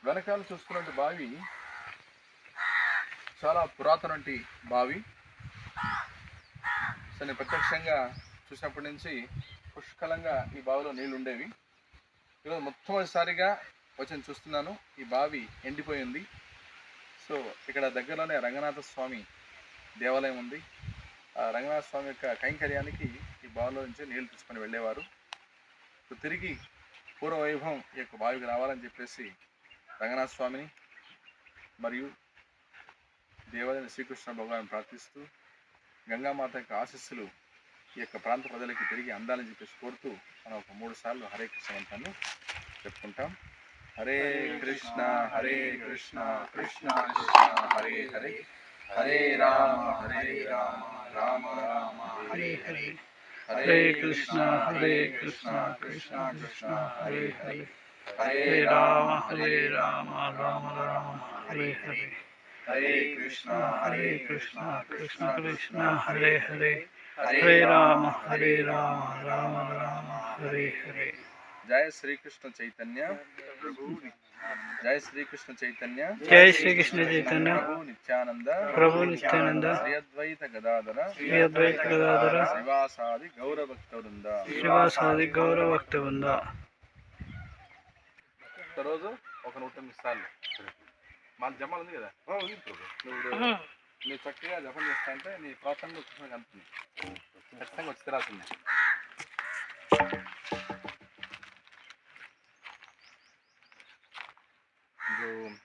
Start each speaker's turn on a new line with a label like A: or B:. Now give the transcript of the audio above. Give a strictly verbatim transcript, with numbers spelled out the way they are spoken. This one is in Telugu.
A: వెనకాల చూసుకున్నట్టు బావి చాలా పురాతన బావి. సో నేను ప్రత్యక్షంగా చూసినప్పటి నుంచి పుష్కలంగా ఈ బావిలో నీళ్ళు ఉండేవి. ఈరోజు మొట్టమొదటిసారిగా వచ్చి చూస్తున్నాను ఈ బావి ఎండిపోయింది. సో ఇక్కడ దగ్గరలోనే రంగనాథ స్వామి దేవాలయం ఉంది. ఆ రంగనాథ స్వామి యొక్క కైంకర్యానికి ఈ బావిలో నుంచి నీళ్లు తీసుకొని వెళ్ళేవారు. సో తిరిగి పూర్వ వైభవం ఈ యొక్క బావికి రావాలని చెప్పేసి రంగనాథ స్వామిని మరియు దేవాలయం శ్రీకృష్ణ భగవాన్ని ప్రార్థిస్తూ గంగామాత యొక్క ఆశీస్సులు ఈ యొక్క ప్రాంత ప్రజలకి తిరిగి అందాలని చెప్పేసి కోరుతూ మనం ఒక మూడు సార్లు హరే కృష్ణ మంత్రాన్ని చెప్పుకుంటాం. హరే కృష్ణ హరే కృష్ణ కృష్ణ కృష్ణ హరే హరే, హరే రామ హరే రామ రామ రామ హరే హరే, హరే కృష్ణ హరే కృష్ణ కృష్ణ కృష్ణ హరే హరే, హరే రామ హరే రామ రామ రామ హరే హరే, హరే కృష్ణ హరే కృష్ణ కృష్ణ కృష్ణ హరే హరే, హరే రామ హరే రామ రామ రామ హరే హరే. జయ శ్రీకృష్ణ చైతన్య ప్రభు, జయ శ్రీకృష్ణ చైతన్య
B: జయ శ్రీకృష్ణ చైతన్య
A: ప్రభు నిత్యానంద
B: ప్రభు నిత్యానంద
A: శ్రీ అద్వైత గదాధర
B: శ్రీ అద్వైత గదాధర
A: శ్రీవాసాది గౌర భక్త వృంద
B: శ్రీవాసాది గౌరవ భక్త వృంద.
A: ఒకరోజు ఒక నూట ఎనిమిది సార్లు మన జమాలు ఉంది కదా, నువ్వు నువ్వు చక్కగా జపం చేస్తా అంటే నీ ప్రోత్సాహంలో కృష్ణ కలుపుతుంది, ఖచ్చితంగా వచ్చి తిరాల్సింది. ఇప్పుడు